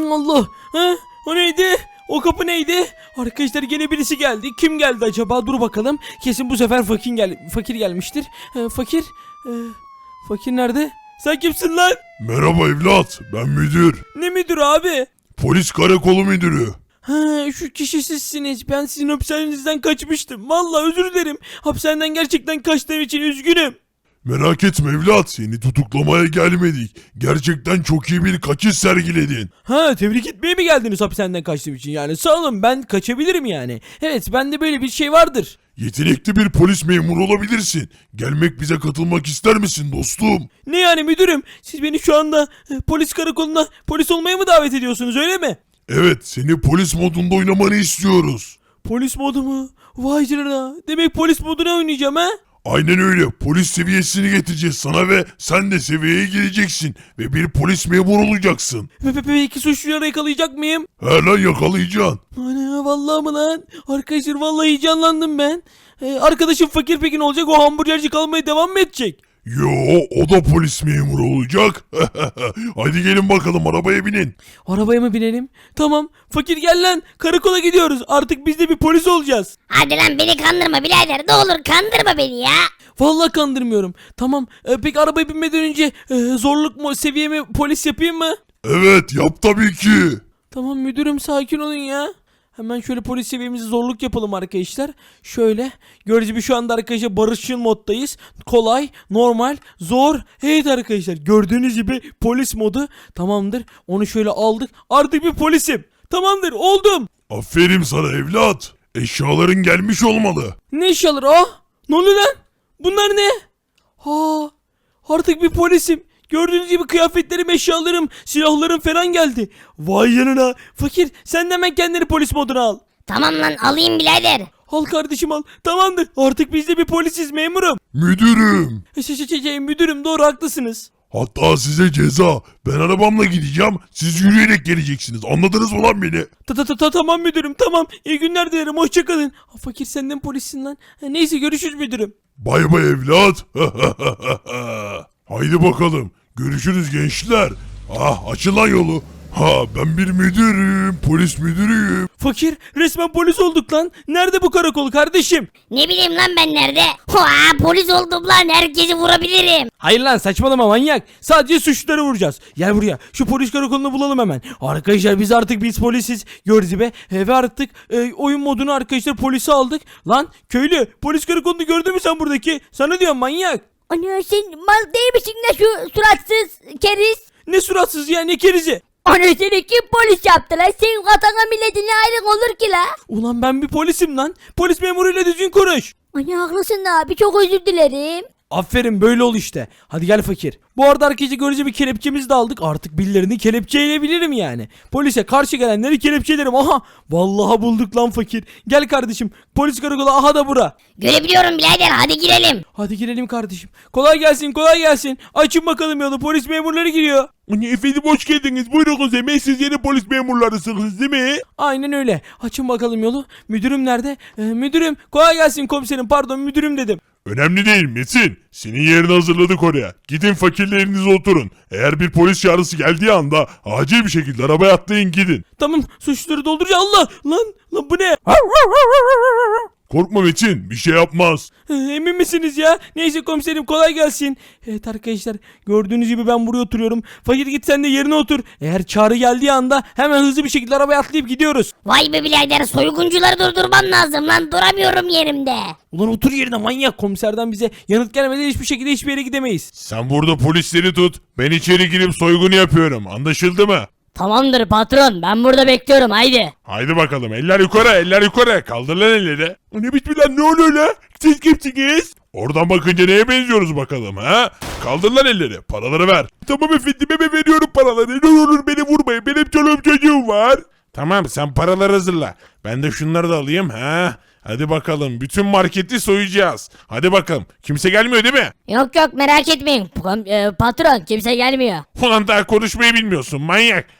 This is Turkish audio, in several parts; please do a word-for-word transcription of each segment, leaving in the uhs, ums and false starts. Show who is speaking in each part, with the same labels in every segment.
Speaker 1: Allah. Ha? O neydi? O kapı neydi? Arkadaşlar gene birisi geldi. Kim geldi acaba? Dur bakalım. Kesin bu sefer fakir gel fakir gelmiştir. Ee, fakir. Ee, fakir nerede? Sen kimsin lan?
Speaker 2: Merhaba evlat, ben müdür.
Speaker 1: Ne müdür abi?
Speaker 2: Polis karakolu müdürü.
Speaker 1: Ha, şu kişi sizsiniz. Ben sizin hapishanenizden kaçmıştım. Vallahi özür dilerim. Hapishaneden gerçekten kaçtığım için üzgünüm.
Speaker 2: Merak etme evlat, seni tutuklamaya gelmedik. Gerçekten çok iyi bir kaçış sergiledin.
Speaker 1: Ha, tebrik etmeye mi geldiniz hapishaneden kaçtığım için? Yani sağ olun, ben kaçabilirim yani. Evet, bende böyle bir şey vardır.
Speaker 2: Yetenekli bir polis memuru olabilirsin. Gelmek bize katılmak ister misin dostum?
Speaker 1: Ne yani müdürüm? Siz beni şu anda e, polis karakoluna polis olmaya mı davet ediyorsunuz, öyle mi?
Speaker 2: Evet, seni polis modunda oynamanı istiyoruz.
Speaker 1: Polis modu mu? Vay canına. Demek polis moduna oynayacağım ha?
Speaker 2: Aynen öyle. Polis seviyesini getireceğiz sana ve sen de seviyeye gireceksin. Ve bir polis memuru olacaksın.
Speaker 1: Ve pe- Peki suçluları yakalayacak mıyım?
Speaker 2: He lan, yakalayacaksın.
Speaker 1: Ana vallahi mı lan? Arkadaşlar vallahi heyecanlandım ben. Ee, arkadaşım fakir peki ne olacak? O hamburgerci kalmaya devam mı edecek?
Speaker 2: Yo, o da polis memuru olacak. Hadi gelin bakalım, arabaya binin.
Speaker 1: Arabaya mı binelim? Tamam. Fakir gel lan. Karakola gidiyoruz. Artık biz de bir polis olacağız.
Speaker 3: Hadi lan beni kandırma birader. Ne olur kandırma beni ya.
Speaker 1: Vallahi kandırmıyorum. Tamam. Ee, peki arabaya binmeden önce e, zorluk mu seviyemi polis yapayım mı?
Speaker 2: Evet, yap tabii ki.
Speaker 1: Tamam müdürüm, sakin olun ya. Hemen şöyle polis seviyemizi zorluk yapalım arkadaşlar. Şöyle gördüğünüz gibi şu anda arkadaşlar barışçıl moddayız. Kolay, normal, zor. Evet arkadaşlar gördüğünüz gibi polis modu tamamdır. Onu şöyle aldık. Artık bir polisim. Tamamdır, oldum.
Speaker 2: Aferin sana evlat. Eşyaların gelmiş olmalı.
Speaker 1: Ne eşyaları? Ah! Ne oluyor lan? Bunlar ne? Ha! Artık bir polisim. Gördüğünüz gibi kıyafetlerim, eşyalarım, silahlarım falan geldi. Vay yanına. Fakir, sen de hemen kendini polis moduna al.
Speaker 3: Tamam lan alayım birader.
Speaker 1: Al kardeşim al. Tamamdır. Artık biz de bir polisiz memurum.
Speaker 2: Müdürüm.
Speaker 1: Şey, şey, şey, şey, müdürüm doğru haklısınız.
Speaker 2: Hatta size ceza. Ben arabamla gideceğim. Siz yürüyerek geleceksiniz. Anladınız mı lan beni?
Speaker 1: Ta ta ta ta tamam müdürüm tamam. İyi günler dilerim, hoşçakalın. Fakir, sen de mi polissin lan? Ha, neyse görüşürüz müdürüm.
Speaker 2: Bay bay evlat. Haydi bakalım. Görüşürüz gençler. Ah, açın lan yolu. Ha, ben bir müdürüm. Polis müdürüyüm.
Speaker 1: Fakir, resmen polis olduk lan. Nerede bu karakol kardeşim?
Speaker 3: Ne bileyim lan ben nerede? Hoa, polis oldum lan, herkesi vurabilirim.
Speaker 1: Hayır lan, saçmalama manyak. Sadece suçluları vuracağız. Gel buraya. Şu polis karakolunu bulalım hemen. Arkadaşlar biz artık biz polisiz. Gördüğünüz gibi. E, ve artık e, oyun modunu arkadaşlar polisi aldık. Lan köylü, polis karakolunu gördün mü sen buradaki? Sana diyorum manyak.
Speaker 3: Ana sen mal değil misin lan şu suratsız keriz?
Speaker 1: Ne suratsız ya, ne kerizi?
Speaker 3: Ana seni kim polis yaptı lan? Senin katana milletinle ayrın olur ki la.
Speaker 1: Ulan ben bir polisim lan. Polis memuruyla düzgün konuş.
Speaker 3: Ana haklısın abi, çok özür dilerim.
Speaker 1: Aferin, böyle ol işte. Hadi gel fakir. Bu arada arkadaşlar görece bir kelepçemizi de aldık. Artık birilerini kelepçeleyebilirim yani. Polise karşı gelenleri kelepçelerim. Aha. Vallahi bulduk lan fakir. Gel kardeşim. Polis karakolu aha da bura.
Speaker 3: Görebiliyorum birader, hadi girelim.
Speaker 1: Hadi girelim kardeşim. Kolay gelsin, kolay gelsin. Açın bakalım yolu. Polis memurları giriyor.
Speaker 2: Efendim hoş geldiniz. Buyurun Kuzey. Siz yeni polis memurlarısınız değil mi?
Speaker 1: Aynen öyle. Açın bakalım yolu. Müdürüm nerede? Ee, müdürüm. Kolay gelsin komiserim. Pardon müdürüm dedim.
Speaker 2: Önemli değil Metin. Senin yerini hazırladık oraya. Gidin fakirlerinize oturun. Eğer bir polis çağrısı geldiği anda acil bir şekilde arabaya atlayın gidin.
Speaker 1: Tamam, suçluları dolduracağım. Allah! Lan! Lan bu ne?
Speaker 2: Korkma Metin, bir şey yapmaz.
Speaker 1: Ee, Emin misiniz ya? Neyse komiserim, kolay gelsin. Evet arkadaşlar gördüğünüz gibi ben buraya oturuyorum. Fakir, git sen de yerine otur. Eğer çağrı geldiği anda hemen hızlı bir şekilde arabaya atlayıp gidiyoruz.
Speaker 3: Vay be birader, soyguncuları durdurmam lazım lan, duramıyorum yerimde.
Speaker 1: Ulan otur yerine manyak, komiserden bize yanıt gelmeden hiçbir şekilde hiçbir yere gidemeyiz.
Speaker 2: Sen burada polisleri tut. Ben içeri girip soygunu yapıyorum. Anlaşıldı mı?
Speaker 3: Tamamdır patron, ben burada bekliyorum, haydi.
Speaker 2: Haydi bakalım. Eller yukarı, eller yukarı. Kaldır lan elleri. Ne biçim lan, ne oluyor lan? Siz kimsiniz? Oradan bakınca neye benziyoruz bakalım ha? Kaldır lan elleri. Paraları ver. Tamam efendim, hemen veriyorum paraları. Ne olur beni vurmayın. Benim çoluğum çocuğum var. Tamam, sen paraları hazırla. Ben de şunları da alayım ha. Hadi bakalım, bütün marketi soyacağız. Hadi bakalım, kimse gelmiyor değil mi?
Speaker 3: Yok yok, merak etmeyin. P- e, patron, kimse gelmiyor.
Speaker 2: Ulan daha konuşmayı bilmiyorsun manyak.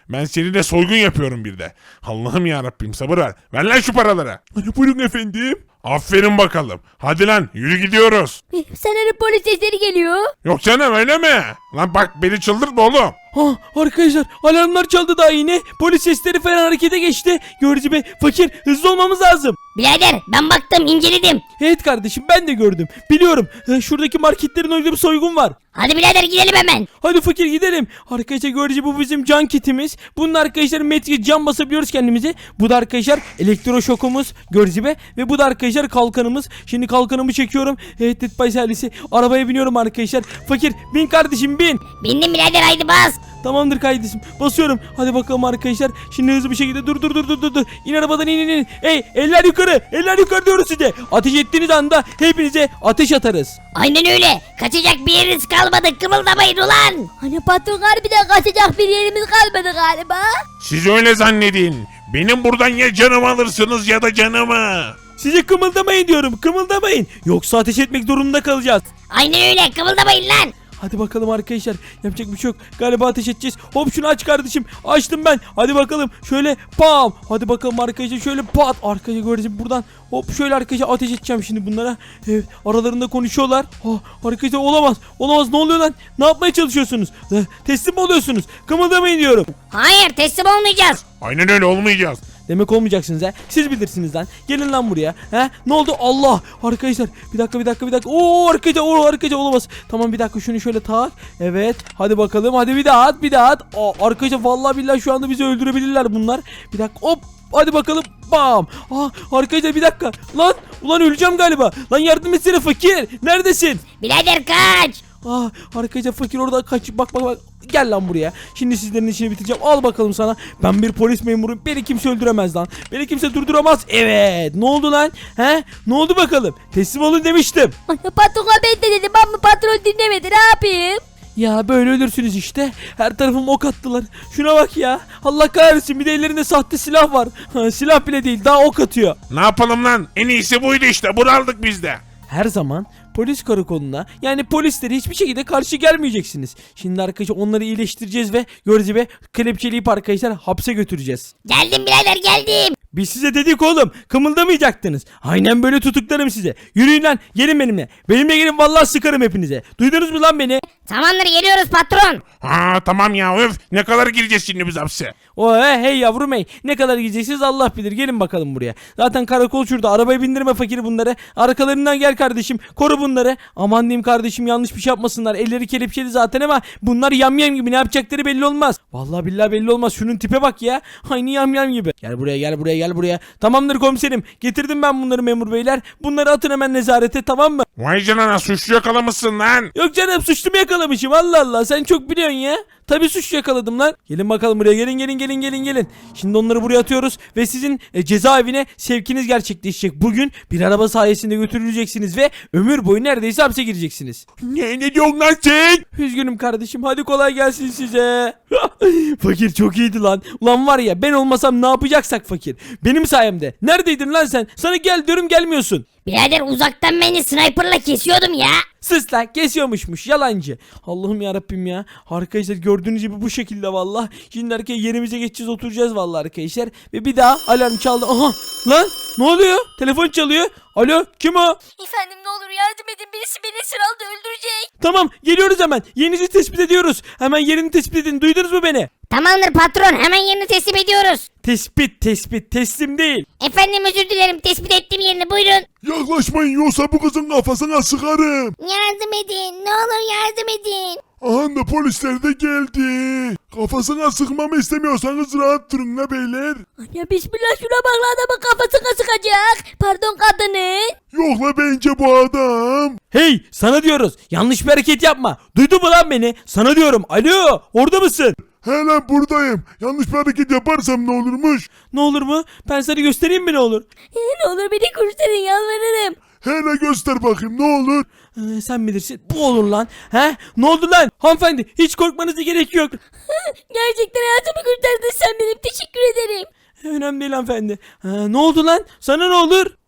Speaker 2: Ben seninle soygun yapıyorum bir de. Allah'ım yarabbim sabır ver. Ver lan şu paraları. Hani buyurun efendim. Aferin bakalım. Hadi lan yürü gidiyoruz.
Speaker 3: Sanırım polis sesleri geliyor.
Speaker 2: Yok canım öyle mi? Lan bak beni çıldırtma oğlum.
Speaker 1: Ha arkadaşlar alarmlar çaldı daha yine. Polis sesleri falan harekete geçti. Görücü bey fakir hızlı olmamız lazım.
Speaker 3: Birader ben baktım inceledim.
Speaker 1: Evet kardeşim ben de gördüm. Biliyorum e, şuradaki marketlerin orada bir soygun var.
Speaker 3: Hadi birader gidelim hemen.
Speaker 1: Hadi fakir gidelim. Arkadaşlar görücü bu bizim can kitimiz. Bunun arkadaşlar metri can basabiliyoruz kendimizi. Bu da arkadaşlar elektroşokumuz görücü be. Ve bu da arkadaşlar kalkanımız. Şimdi kalkanımı çekiyorum. Evet Dead by Silence'i. Arabaya biniyorum arkadaşlar. Fakir bin kardeşim bin.
Speaker 3: Bindim birader haydi bas.
Speaker 1: Tamamdır kardeşim. Basıyorum. Hadi bakalım arkadaşlar. Şimdi hızlı bir şekilde dur dur dur dur dur dur. İn arabadan in in in. Hey eller yukarı. Eller yukarı diyoruz size. Ateş ettiğiniz anda hepinize ateş atarız.
Speaker 3: Aynen öyle. Kaçacak bir yeriniz kalmadı. Kımıldamayın ulan. Hani patron harbiden kaçacak bir yerimiz kalmadı galiba.
Speaker 2: Siz öyle zannedin. Benim buradan ya canımı alırsınız ya da canımı.
Speaker 1: Size kımıldamayın diyorum. Kımıldamayın. Yoksa ateş etmek durumunda kalacağız.
Speaker 3: Aynen öyle. Kımıldamayın lan.
Speaker 1: Hadi bakalım arkadaşlar. Yapacak bir şey yok. Galiba ateş edeceğiz. Hop şunu aç kardeşim. Açtım ben. Hadi bakalım. Şöyle pam. Hadi bakalım arkadaşlar. Şöyle pat. Arkadaşlar göreceğim buradan. Hop şöyle arkadaşlar ateş edeceğim şimdi bunlara. Evet. Aralarında konuşuyorlar. Oh, arkadaşlar olamaz. Olamaz. Ne oluyor lan? Ne yapmaya çalışıyorsunuz? Eh, teslim mi oluyorsunuz? Kımıldamayın diyorum.
Speaker 3: Hayır teslim olmayacağız.
Speaker 2: Aynen öyle olmayacağız.
Speaker 1: Demek olmayacaksınız ha. Siz bilirsiniz lan. Gelin lan buraya. He? Ne oldu? Allah. Arkadaşlar bir dakika bir dakika bir dakika. Oo arkadaşlar o arkadaşlar olamaz. Tamam bir dakika şunu şöyle tak. Evet. Hadi bakalım. Hadi bir daha at bir daha at. Aa, arkadaşlar vallahi billahi şu anda bizi öldürebilirler bunlar. Bir dakika. Hop. Hadi bakalım. Bam. Aa arkadaşlar bir dakika. Lan. Ulan öleceğim galiba. Lan yardım etsene fakir. Neredesin?
Speaker 3: Birader kaç.
Speaker 1: Ah arkadaşlar fakir orada kaç bak bak bak gel lan buraya. Şimdi sizlerin işini bitireceğim. Al bakalım sana. Ben bir polis memuruyum. Beni kimse öldüremez lan. Beni kimse durduramaz. Evet. Ne oldu lan? He? Ne oldu bakalım? Teslim olun demiştim.
Speaker 3: Patron ben de dedim ama patron dinlemedi ne yapayım?
Speaker 1: Ya böyle ölürsünüz işte. Her tarafıma ok attılar. Şuna bak ya. Allah kahretsin bir de ellerinde sahte silah var. Ha, silah bile değil daha ok atıyor.
Speaker 2: Ne yapalım lan? En iyisi buydu işte. Bunu aldık biz de.
Speaker 1: Her zaman polis karakoluna yani polislere hiçbir şekilde karşı gelmeyeceksiniz. Şimdi arkadaşlar onları iyileştireceğiz ve gördüğünüz gibi kelepçeleyip arkadaşlar hapse götüreceğiz.
Speaker 3: Geldim birader geldim.
Speaker 1: Biz size dedik oğlum kımıldamayacaktınız. Aynen böyle tutuklarım size. Yürüyün lan gelin benimle. Benimle gelin vallahi sıkarım hepinize. Duydunuz mu lan beni?
Speaker 3: Tamamdır geliyoruz patron.
Speaker 2: Ha tamam ya öf. Ne kadar gireceğiz şimdi biz hapse?
Speaker 1: O he, hey yavrum hey. Ne kadar gideceksiniz Allah bilir. Gelin bakalım buraya. Zaten karakol şurada. Arabaya bindirme fakiri bunları. Arkalarından gel kardeşim. Koru bunları. Aman diyeyim kardeşim yanlış bir şey yapmasınlar. Elleri kelepçeli zaten ama bunlar yamyam gibi. Ne yapacakları belli olmaz. Vallahi billahi belli olmaz. Şunun tipe bak ya. Aynı yamyam gibi. Gel buraya gel buraya gel buraya. Tamamdır komiserim. Getirdim ben bunları memur beyler. Bunları atın hemen nezarete tamam mı?
Speaker 2: Vay canına suçlu yakalamışsın lan.
Speaker 1: Yok canım suçlu mu yakalamışım Allah Allah sen çok biliyorsun ya. Tabii suç yakaladım lan. Gelin bakalım buraya gelin gelin gelin gelin gelin. Şimdi onları buraya atıyoruz ve sizin e, cezaevine sevkiniz gerçekleşecek. Bugün bir araba sayesinde götürüleceksiniz ve ömür boyu neredeyse hapse gireceksiniz.
Speaker 2: Ne, ne diyorsun lan sen?
Speaker 1: Üzgünüm kardeşim hadi kolay gelsin size. Fakir çok iyiydi lan. Ulan var ya ben olmasam ne yapacaksak fakir. Benim sayemde. Neredeydin lan sen? Sana gel diyorum gelmiyorsun.
Speaker 3: Birader uzaktan beni sniperla kesiyordum ya.
Speaker 1: Sus lan kesiyormuşmuş yalancı. Allah'ım yarabbim ya. Arkadaşlar gördüğünüz gibi bu şekilde valla. Şimdi arkadaşlar yerimize geçeceğiz oturacağız valla arkadaşlar. Ve bir daha alarm çaldı. Aha lan ne oluyor? Telefon çalıyor. Alo kim o?
Speaker 3: Efendim ne olur yardım edin birisi beni sıralda öldürecek.
Speaker 1: Tamam geliyoruz hemen. Yerinizi tespit ediyoruz. Hemen yerini tespit edin. Duydunuz mu beni?
Speaker 3: Tamamdır patron hemen yerini teslim ediyoruz.
Speaker 1: Tespit tespit teslim değil.
Speaker 3: Efendim özür dilerim tespit ettim yerini buyurun.
Speaker 2: Yaklaşmayın yoksa bu kızın kafasına sıkarım.
Speaker 3: Yardım edin ne olur yardım edin.
Speaker 2: Aha da polisler de geldi. Kafasına sıkmamı istemiyorsanız rahat durun la beyler.
Speaker 3: Ya bismillah şuna bak lan adamın kafasına sıkacak. Pardon kadının.
Speaker 2: Yok la bence bu adam.
Speaker 1: Hey sana diyoruz. Yanlış bir hareket yapma. Duydun mu lan beni? Sana diyorum. Alo orada mısın?
Speaker 2: He lan buradayım. Yanlış bir hareket yaparsam ne olurmuş?
Speaker 1: Ne olur mu? Ben sana göstereyim mi ne olur?
Speaker 3: Ne olur beni kurtarın yalvarırım.
Speaker 2: Hele göster bakayım ne olur.
Speaker 1: Ee, sen bilirsin. Bu olur lan. He? Ne oldu lan? Hanımefendi hiç korkmanıza gerek yok.
Speaker 3: Gerçekten hayatımı kurtardın sen benim teşekkür ederim.
Speaker 1: Önemli değil hanımefendi. Ha, ne oldu lan? Sana ne olur?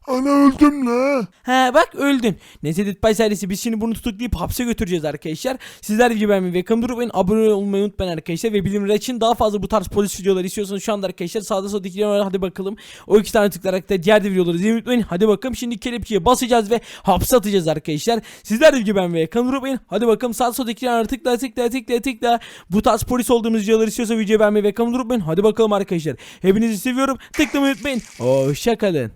Speaker 2: Ana öldüm la.
Speaker 1: He bak öldün. Neyse Ditbay ailesi biz şimdi bunu tutuklayıp hapse götüreceğiz arkadaşlar. Sizler gibi beğenmeyi ve kanalıma unutmayın. Abone olmayı unutmayın arkadaşlar. Ve bildirimler için daha fazla bu tarz polis videoları istiyorsanız şu anda arkadaşlar sağda solda iki tane var. Hadi bakalım. O iki tane tıklayarak da diğer de videoları izlemeyi unutmayın. Hadi bakalım şimdi kelepçeye basacağız ve hapse atacağız arkadaşlar. Sizler gibi beğenmeyi ve kanalıma unutmayın. Hadi bakalım sağda solda iki tane tıkla tıkla tıkla tıkla. Bu tarz polis olduğumuz videoları istiyorsa videoyu beğenmeyi ve kanalıma unutmayın. Hadi bakalım arkadaşlar. Hepinizi seviyorum. Tıklamayı unutmayın. Hoşçakalın.